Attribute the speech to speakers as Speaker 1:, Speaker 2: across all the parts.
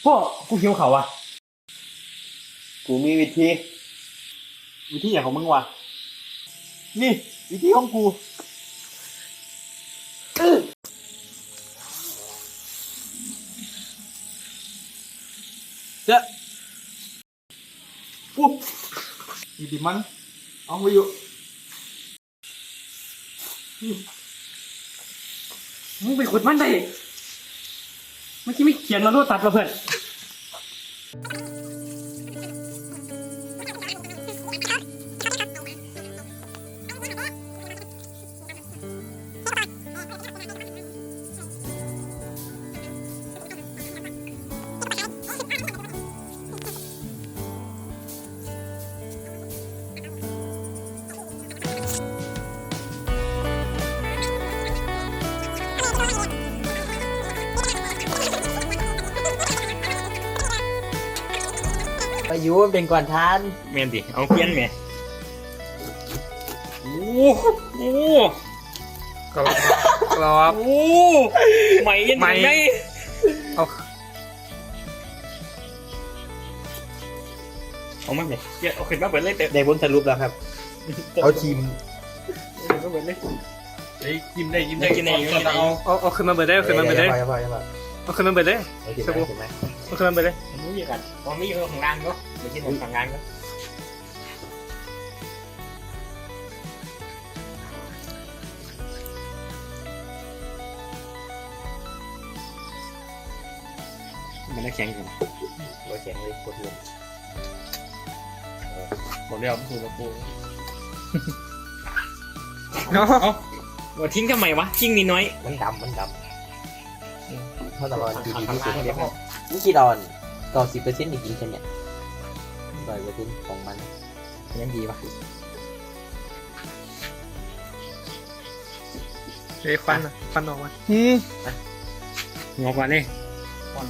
Speaker 1: พ่อกูหิวเขาวะ
Speaker 2: กูมีวิธี
Speaker 1: อย่างของมึงวะนี่วิธีของกูเจ้าปุ๊บนี่ดิมันเอาไปอยู่มึงไปขุดมันได้เมื่อกี้ไม่เขียนมาโน้ตตัดมาเพื่อน
Speaker 2: ไปยูมันเป็นก่อนทาน
Speaker 1: เมนดิเอาเพี้ยนไงโอ้โห
Speaker 3: ครับ
Speaker 1: โอ้ใหม่ยังไงเอามาเนี่ยเอาขึ้นมาเปิดเลยเตะ
Speaker 2: ได้ผลสรุปแล้วครับเอาทีม
Speaker 1: มาเปิดเลย
Speaker 3: ยิ้มได้
Speaker 1: เอาขึ้นมาเปิดได้เอาขึ้นมาเปิดได้
Speaker 2: อย่าพอ
Speaker 1: เอาขึ้นมาเปิดได้
Speaker 2: เอาทีมไหม
Speaker 1: เอาขึ้นมาเปิดได้ผมรู้อย่างกันตอนนี้อยู่ของงานก็ไม่ใช่ของงานก็มันน่าแข็งอยู่นะ
Speaker 2: โอเคเลยกดลง
Speaker 3: บอกเรียกมันถูกกับปู
Speaker 1: ว่าทิ้งทำไมวะทิ้งนิดน้อย
Speaker 2: มันดำเท่าตลอดดีที่สุดเลยนี่กี่ดอน90%จริงๆใช่ไหม100%ของมันยังดีป่ะ
Speaker 3: เฮ้ยควันออกมา
Speaker 1: งอกว่านี่
Speaker 3: ควัน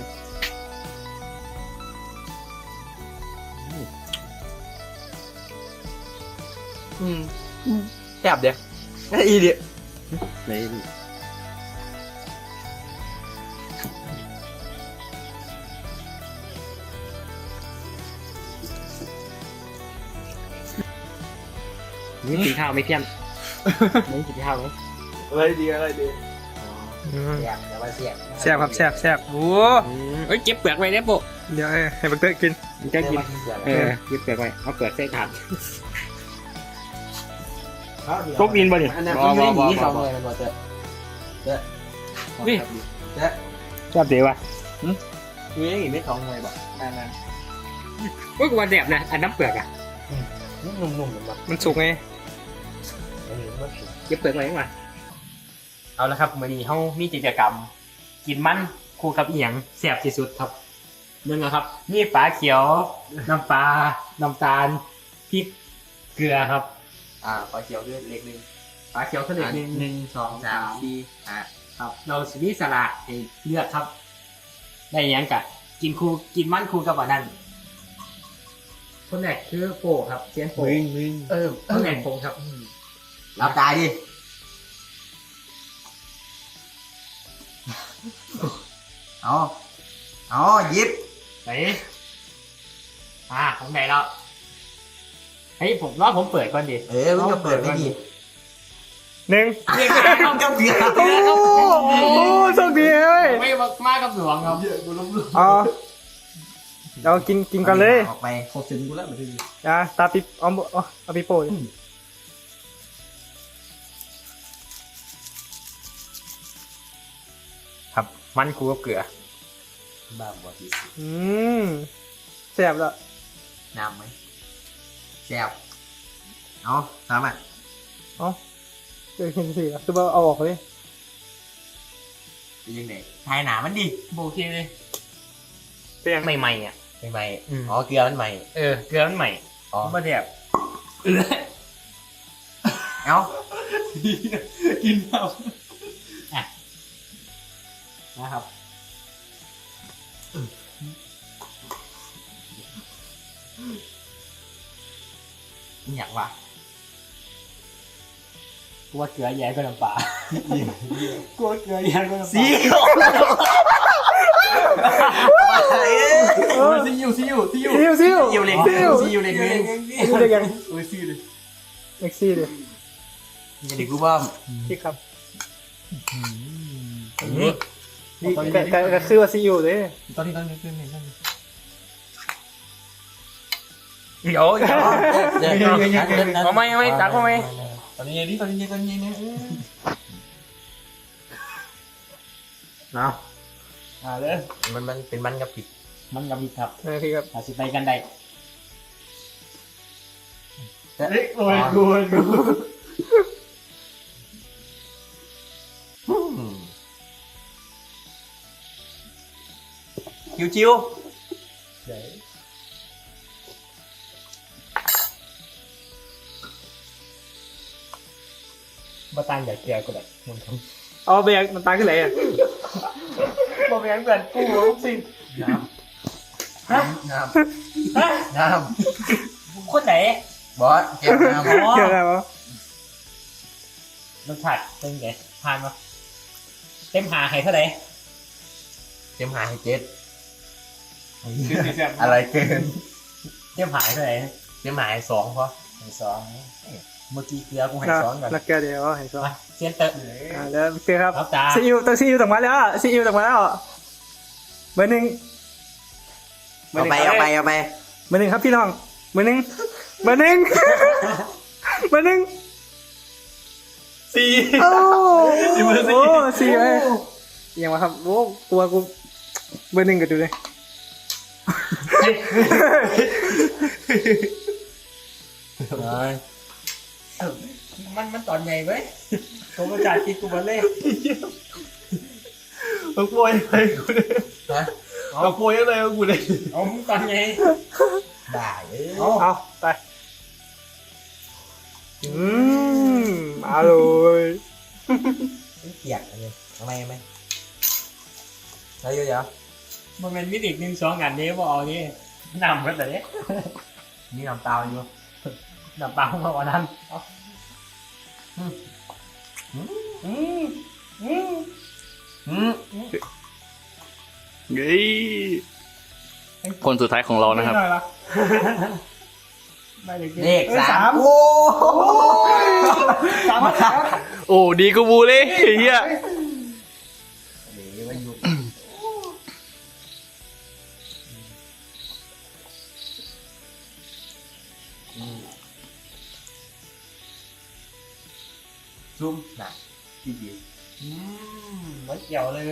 Speaker 2: แซ่บเด้ออีเด้
Speaker 1: เลยนี่กินข้าวไม่เพี้ยนนี่กินข้าวไหม
Speaker 3: อะไรดี
Speaker 2: แซ่บแต่ว่าแซ่บ
Speaker 3: แซ่บโอ้
Speaker 1: เอ้ยเก็บเปลือกไว้ได้ปุ๊
Speaker 3: เดี๋ยวให้บักเตอร์กิน
Speaker 1: มันจะกินเก็บเปลือกไว้เอาเปลือกใส่ถาดตกดินบ่เนี่ย
Speaker 2: อันนั้นมันไม่หนี2เลยมันบ่เจอ
Speaker 1: นี่
Speaker 2: เจอ
Speaker 1: ชอบเดี๋ยววะ
Speaker 2: นี่หนีไม่2เลยบ่นั่น
Speaker 1: ก็กว่าแดบนะอันน้ำเปลือกอ่ะ
Speaker 2: นุ่มๆมันบ่
Speaker 3: มันสุกไง
Speaker 1: เก็บเปลือกไว้มาเอาละครับวันนี้เขามีกิจกรรม กินมันคู่กับอีหยังแซ่บที่สุดครับนึงนะครับนี่ปลาเขียวน้ำปลาน้ำตาลพริกเกลือครับ
Speaker 2: ปลาเขียวด้วยเล็กนึง
Speaker 1: ปลาเขียวเสด็จหนึ่ง
Speaker 2: 2 3 4
Speaker 1: ครับเราสิมีสลัดให้เลือกครับ ได้หยังกะกินคู่กินมันคู่กับอันนั้นคนแรกคือโปครับเซียนโป
Speaker 2: มึง
Speaker 1: คนแรกผมครับ
Speaker 2: รับตายดิเอาหยิบ
Speaker 1: ไหนผมได้แล้วเฮ้ยผมรอผมเปิดก่อนดิ
Speaker 2: มึงจะเปิดไม่ดี
Speaker 3: หนึ่ง
Speaker 2: กับเบียร์
Speaker 3: โอ้โชคดีเฮ้ย
Speaker 1: ไม่มากับหลวงครับ
Speaker 3: เรากินกันเลย
Speaker 2: ออกไปเขาซึ้งกูแล้วมันคือ
Speaker 3: ตาปิเอาปิโป้
Speaker 1: ครับมันคู่กับเกลือ
Speaker 2: บ้าบอดี
Speaker 3: แซ่บแล้ว
Speaker 2: น้ำไหมแซ่บเอาตามอ่ะ
Speaker 3: เห็นสิคือว่าเอาออกเลย
Speaker 2: เป็นยังไงทายหนามันดิ
Speaker 1: โอเคเลย
Speaker 3: เป็นยัง
Speaker 1: ใหม่ๆอ่ะ
Speaker 2: ใหม่อ๋อเกลือมันใหม่
Speaker 1: เกลือมันใหม่
Speaker 2: อ๋อ
Speaker 1: มาแดบ
Speaker 2: เอา
Speaker 1: กินครับนะครับ
Speaker 2: อยากวะ
Speaker 1: กลัวเกลือแย่ก็น้ำปลา กลัวเกลือแย่ก็น้ำปลา
Speaker 2: สี
Speaker 3: เลย
Speaker 2: จะเด็กรู้บ้าง
Speaker 3: พี่ครับ
Speaker 1: นี่
Speaker 3: นี่ก็คือว่าซีอิ๊วเลย
Speaker 2: ตอนนี้
Speaker 1: เดี๋ยวเอาไหมตักเอาไหม
Speaker 2: ตอนนี้เนี่ย
Speaker 1: เอาเลย
Speaker 2: มันเป็นมันกับผิด
Speaker 1: มันกับมีครับ
Speaker 3: พี่ครับ
Speaker 1: อาสิไปกันได้
Speaker 2: โอ้ยกูชิว
Speaker 1: บ่ต่างจากเกลือก็ได้มันท
Speaker 3: เอาไปยังมันตายขึ้นไหนอ่ะ
Speaker 1: ำบ่แม่นเพื่อนกูสิ
Speaker 2: น้ำ
Speaker 1: คนไหน
Speaker 2: บอสเก็บน้ำ
Speaker 3: เกี่ยวอะไรวะ
Speaker 1: รสชาติเป็นไงทานปะเต็มหาให้เท่าไหร่
Speaker 2: เต็มหาให้เจ็ดอะไรเกิน
Speaker 1: เต็มหาให้เท่าไหร่
Speaker 2: เต็มหาให้สองเพราะ
Speaker 1: ให้สองเมื่อกี้เกลือกูให้สองก่อน
Speaker 3: นักแกเดี๋ยวเห็นซ้อ
Speaker 1: มาเซียนเตอร์
Speaker 3: แล้วเจอครับ
Speaker 1: ครับจ้า
Speaker 3: ซีอิ๊วต้องซีอิ๊วต่างมาแล้วซีอิ๊วต่างมาแล้วเบอร์หนึ่ง
Speaker 2: เอาไป
Speaker 3: เบอร์หนึ่งครับพี่น้องเบอร์หนึ่งเบอร์หนึ่งเบอร์หนึ่ง
Speaker 2: สี่
Speaker 3: โอ้โหสี่เลยยังมาครับโอ้กลัวกูเบอร์หนึ่งก็ดูเลย
Speaker 1: มันตอนใหญ่เว้ยผมประกาศกินกูมาเล่
Speaker 2: เอาป่วยไปกูเลยเอาป่วยอะไรกูเลย
Speaker 1: เอามึงตอนใหญ่
Speaker 2: ได้เ
Speaker 3: เอาไปอร่อย
Speaker 2: เกลียดเลยทำไมแล้วเดี๋ยว
Speaker 1: มันเป็นมิติหนึ่งสองอันนี้ว่าเอานี่นำกันแต่เนี้ย
Speaker 2: นี่น้ำตาอยู่
Speaker 1: นำปังมาวันนั้น
Speaker 4: คนสุดท้ายของเรานะครับ
Speaker 2: เลขสามโอ้
Speaker 4: โอ้ดีกูบูเลยเฮีย
Speaker 2: เดี๋ยวมาอยู่ซุ่มหนักดี
Speaker 1: ไม่เกี่ยวเลย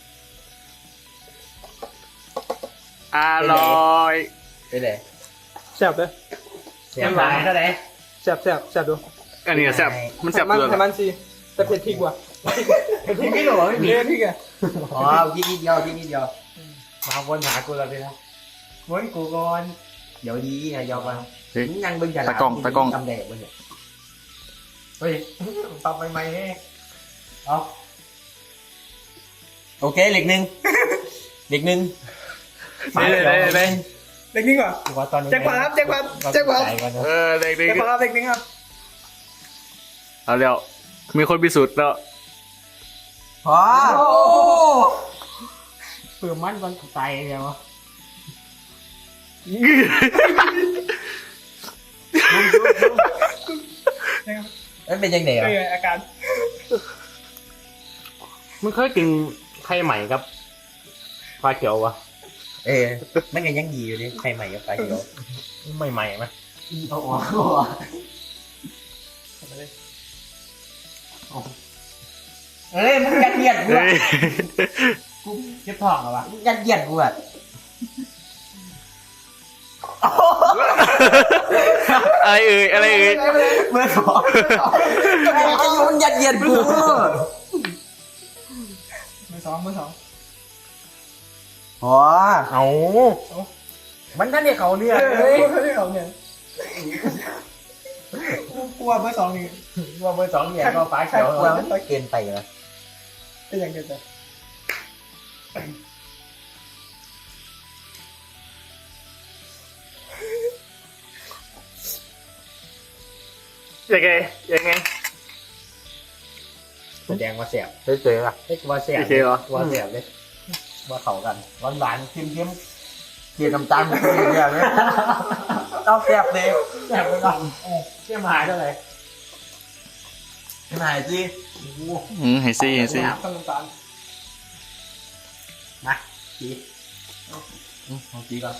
Speaker 4: อร่อย
Speaker 2: ไปเลย
Speaker 3: แซ่บเลย
Speaker 2: เสีย
Speaker 1: เต็ม
Speaker 2: หา
Speaker 1: หาย เท่าไหร่
Speaker 3: แซ่บดู
Speaker 4: อันนี้แซ่บมันแซ่บ
Speaker 3: มัน
Speaker 4: เกลือ
Speaker 3: แต่มันสิแต่เผ็ดพริกว่ะ
Speaker 1: พี่ไม่หลงไม่มี
Speaker 3: เผ็ดพริกอ่ะ
Speaker 2: อ๋อที่นิดเดียวที่นิดเดียว
Speaker 1: มาวนหากูแล้วพี่นะวนกูก่อน
Speaker 2: เดี๋ยวดีนะยอมมา
Speaker 4: เฮ้ย
Speaker 2: ยังเบิ่งจะ
Speaker 4: ตากล้อง
Speaker 2: ทำแดดมันเนี่ย
Speaker 1: เฮ้ยปรับใหม่ๆนี่เอา
Speaker 2: โอเคเหล็กหนึ่งเหล็กหนึ่ง
Speaker 4: เลย
Speaker 3: เล็กนิดกว่า
Speaker 1: กูว่าตอนนี้
Speaker 3: แจ็คพอตครับแจ็คพอต
Speaker 1: ใจก่อนนะ
Speaker 4: เด็ก
Speaker 3: แจ็คพอตครับเล็กนิดครับ
Speaker 4: เอาแล้วมีคนพิสูจน์แล้ว
Speaker 2: พอ
Speaker 1: เปื่อมันก่อนตายเลยวะ
Speaker 2: มันเป็นยังไงอ่ะ
Speaker 3: อาการ
Speaker 1: มึงเคยกินไข่ใหม่ครับปลาเขียววะ
Speaker 2: มันก็ยังดีอยู่ดิใครใหม่กับไปเดี๋ยว
Speaker 1: ใหม่ๆไหม
Speaker 2: เอาออกเอ้ยมึงยัดเยียดกู
Speaker 4: เฮ้ย
Speaker 1: กูเจ็บท้องเหรอวะ
Speaker 2: ยัดเยียดกูอ่ะ
Speaker 4: อะไรเอ่ย
Speaker 2: เมื่อสองไอ้ยูมันยัดเยียดกู
Speaker 3: มือสอง
Speaker 2: อ๋อ
Speaker 1: เอามันท่านเนี่ยเขาเนี่ย
Speaker 3: เฮ้ยเขาเนี่ยกลัวเบอร์สองนี่
Speaker 1: ว่าเบอร์สองเนี่ยก็ปลาเขียว
Speaker 2: ว่ามันเกินไปนะ
Speaker 3: เป็นอย่างเดียวกันยังไง
Speaker 1: แสดงว่าแสบ
Speaker 2: เฉยๆอ่ะ
Speaker 1: เฮ้ยว่าแสบ
Speaker 4: โอเคเหรอ
Speaker 1: ว่าแสบเลยว่าเขากันหวานๆเค็ม
Speaker 2: เกลียดน้ำตาลมันเกลียดเลยต้องแซ่บเลย
Speaker 1: ๆแสบไปก่อนเชี่ยมหายเท่าไหร่
Speaker 2: ขนาดสิ
Speaker 4: ให้ซี่ให้ซี่
Speaker 1: ต้องน้ำตาลมาจี
Speaker 2: เอาจีก่อน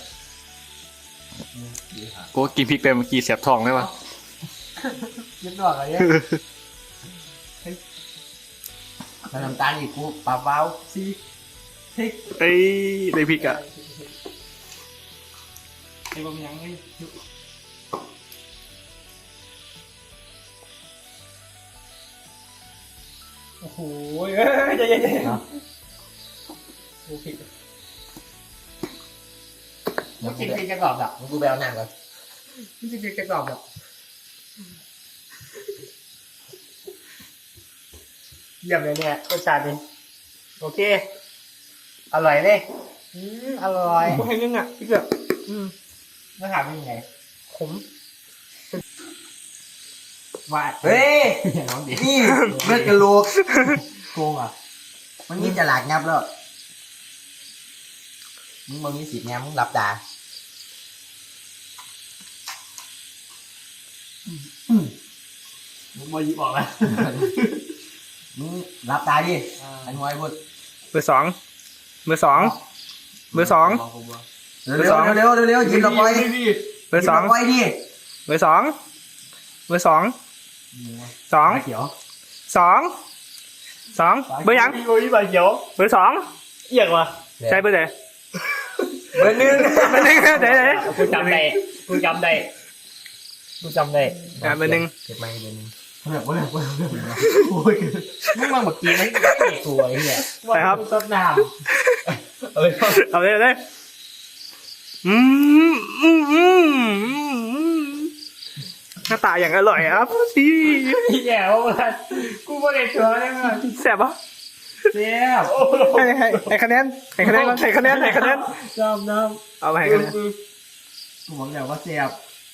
Speaker 4: กูกินพริกไปเมื่อกี้เสียบท้องเลยวะ
Speaker 1: ยึดดอกอะไรเนี่ย
Speaker 2: ถ้าน้ำตาลอีกกูปลาเบา
Speaker 1: ซีพริก
Speaker 4: เอ้ยได้พริกอ่ะ
Speaker 1: ไอ้บะหมี่ยังไงโอ้โหเอ้ยใจเย็นๆโอ้ผิด
Speaker 2: เดี๋ยว
Speaker 1: กิ
Speaker 2: กู
Speaker 1: น
Speaker 2: ไป
Speaker 1: พริกจะกรอบดับ
Speaker 2: กูไปเอาหนังก่อน
Speaker 1: กินพริกจะกรอบดับเยี่ยมเลยเนี่ยรสชาติดีโอเค อร่อยเลยอร่อย
Speaker 3: กูให้นึงอ่ะพี่เกือบ
Speaker 1: แล้วถามเป็นยังไงขมว่า
Speaker 2: เฮ้ย
Speaker 1: น้องดิ
Speaker 2: นี่เลือดกระโหลก
Speaker 1: โกงอ่ะ
Speaker 2: มันนี่จะหลากงับแล้วมึงมีสิทธิ์ไงมึงหลับตา
Speaker 1: มึงมาหยิบออกแล้ว
Speaker 2: มึงหลับตาดิอันไว้พูด
Speaker 3: เบอร์สองเบอร์สองเบอร์สอง
Speaker 2: เร็วเร็วเร็วเร็วหยิบดอกไม้
Speaker 3: เบอร์สอง
Speaker 2: ไว้ดิ
Speaker 3: เบอร์สองเบอร์สองสอง
Speaker 1: เขียว
Speaker 3: สองสองเบอร์ยัง
Speaker 1: โอ้ยใบเขียว
Speaker 3: เบอร์สอง
Speaker 1: เอียงว่ะ
Speaker 3: ใช่เบอร์ไหน
Speaker 2: เบอร์หนึ่ง
Speaker 3: เบอร์หนึ่งไหนไหน
Speaker 1: กูจำได้กูจำได้กูจำได้
Speaker 3: อ่ะเบอร์หนึ่ง
Speaker 2: เก็บไม้เบอร์หนึ่ง
Speaker 1: โอ้ยมึงมาเมื่อกี้ไม่ได้ตัวไอ้เหี้ยว่ากูต้นน้ำเอ้ย
Speaker 3: เอาเลยเอาเลยอืมหน้าตาอย่างอร่อยครับพี่
Speaker 1: แย่ว่ะกูไม่ได้ตัวเลยมั้ง
Speaker 3: แซ่บปะ
Speaker 1: เสียบ
Speaker 3: ให้คะแนนให้คะแนนก่อนให้คะแนนให้คะแนน
Speaker 1: น้ำน้
Speaker 3: เอาไปให้
Speaker 1: ำ
Speaker 3: คะแนน
Speaker 1: กูบอกแล้วว่าเสียบ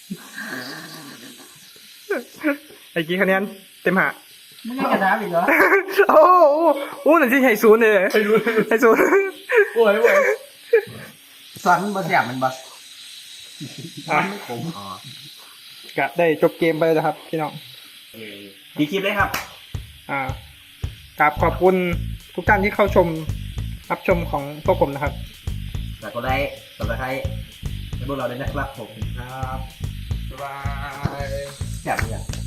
Speaker 3: ไอ้กี่คะแนนเต็มหา
Speaker 1: มึงไม่กระดาษอีกเหรอ
Speaker 3: โอ้โหนั่นที่ให้ศูนย์เลยให้ศูนย์
Speaker 1: โอ้ยโอ้ย
Speaker 2: ซ้อนบะเสียบมันบะ
Speaker 3: อ่ะ
Speaker 2: ขมอ๋อก
Speaker 3: ะได้จบเกมไปแล้วนะครับพี่น้อง
Speaker 1: ดีคลิปเลยครับ
Speaker 3: กราบขอบคุณทุกท่านที่เข้าชมรับชมของพวกผมนะครับ
Speaker 2: แต่ก็ได้สำหรับใครให้พวกเราได้นะครับผม
Speaker 3: ครับบ๊ายบาย
Speaker 2: แซ่บเลย